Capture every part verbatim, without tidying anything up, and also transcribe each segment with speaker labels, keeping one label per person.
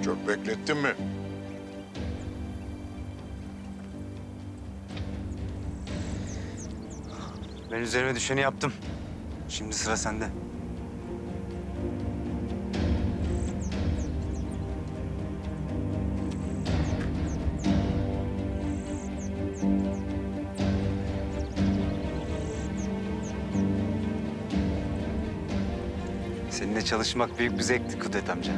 Speaker 1: Çok beklettin mi?
Speaker 2: Ben üzerime düşeni yaptım. Şimdi sıra sende. Seninle çalışmak büyük bir zevkti Kudret amca.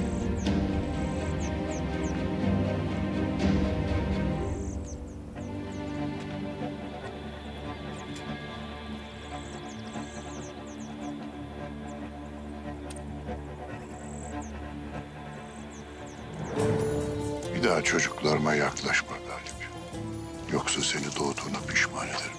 Speaker 1: Bir daha çocuklarıma yaklaşma Galip. Yoksa seni doğduğuna pişman ederim.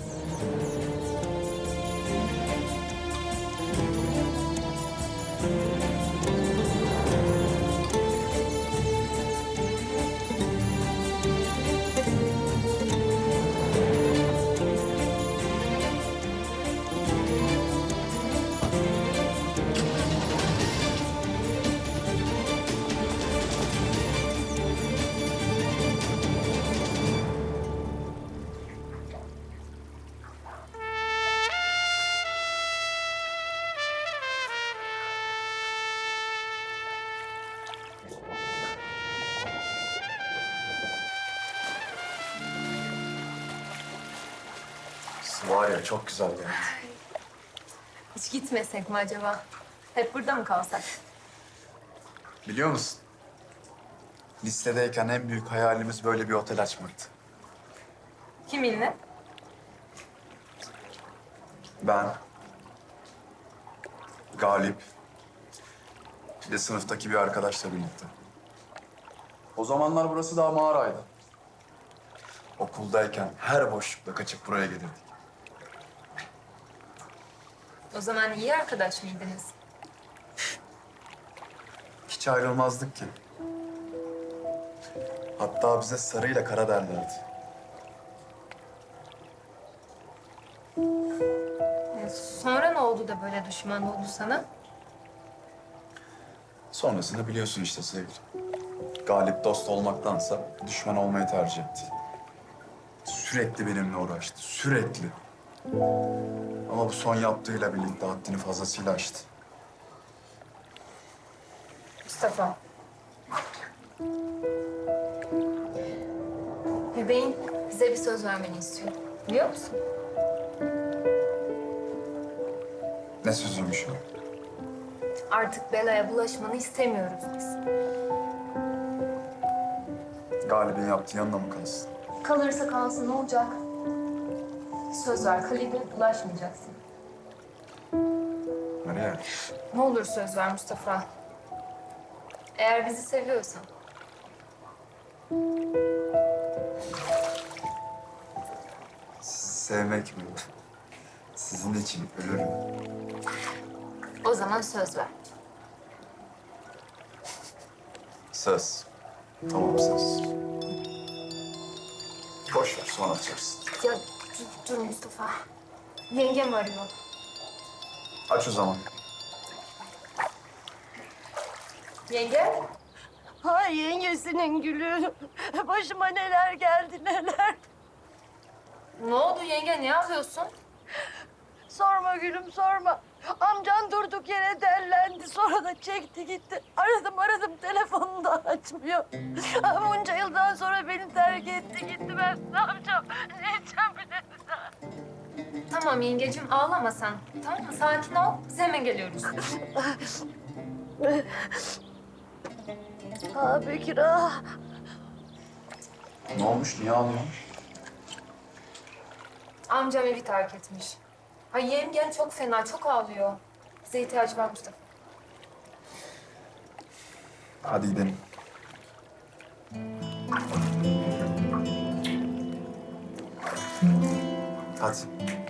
Speaker 3: Var ya çok güzel geldi.
Speaker 4: Hiç gitmesek mi acaba? Hep burada mı kalsak?
Speaker 3: Biliyor musun? Listedeyken en büyük hayalimiz böyle bir otel açmaktı.
Speaker 4: Kiminle?
Speaker 3: Ben, Galip, bir de sınıftaki bir arkadaşla birlikte. O zamanlar burası daha mağaraydı. Okuldayken her boşlukta kaçıp buraya gelirdik.
Speaker 4: O zaman iyi arkadaş mıydınız?
Speaker 3: Hiç ayrılmazdık ki. Hatta bize sarıyla kara derlerdi.
Speaker 4: E, Sonra ne oldu da böyle düşman oldu sana?
Speaker 3: Sonrasını biliyorsun işte sevgilim. Galip dost olmaktansa düşman olmayı tercih etti. Sürekli benimle uğraştı, sürekli. Ama bu son yaptığıyla birlikte haddini fazlasıyla aştı.
Speaker 4: Mustafa. Bebeğin bize bir söz vermeni istiyor. Biliyor musun?
Speaker 3: Ne sözüymüş o?
Speaker 4: Artık belaya bulaşmanı istemiyoruz biz.
Speaker 3: Galip'in yaptığı yanına mı kalsın?
Speaker 4: Kalırsa kalsın ne olacak? Söz ver, Kalib'e bulaşmayacaksın.
Speaker 3: Nereye?
Speaker 4: Ne olur söz ver Mustafa. Eğer bizi seviyorsan.
Speaker 3: Sevmek mi? Sizin için ölürüm.
Speaker 4: O zaman söz ver.
Speaker 3: Söz. Tamam söz. Boş ver sonra açarsın.
Speaker 4: Ya dur, dur Mustafa. Yengem arıyor.
Speaker 3: Aç o zaman.
Speaker 4: Yenge?
Speaker 5: Ay yengesinin gülü. Başıma neler geldi neler.
Speaker 4: Ne oldu yenge? Ne yapıyorsun?
Speaker 5: Sorma gülüm sorma. Amcan durduk yere dellendi. Sonra da çekti gitti. Aradım aradım telefonunu da açmıyor. Bunca yıldan sonra beni terk etti gitti. Ben ne yapacağım? Ne edeceğim bilemiyorum.
Speaker 4: Tamam yengecim ağlama sen. Tamam mı? Sakin ol. Biz hemen geliyoruz.
Speaker 5: Ah Bekir ah.
Speaker 3: Ne olmuş? Niye ağlıyorsun?
Speaker 4: Amcam evi terk etmiş. Ay yengen çok fena, çok ağlıyor. Bize ihtiyacı var Mustafa.
Speaker 3: Hadi gidelim. Hadi.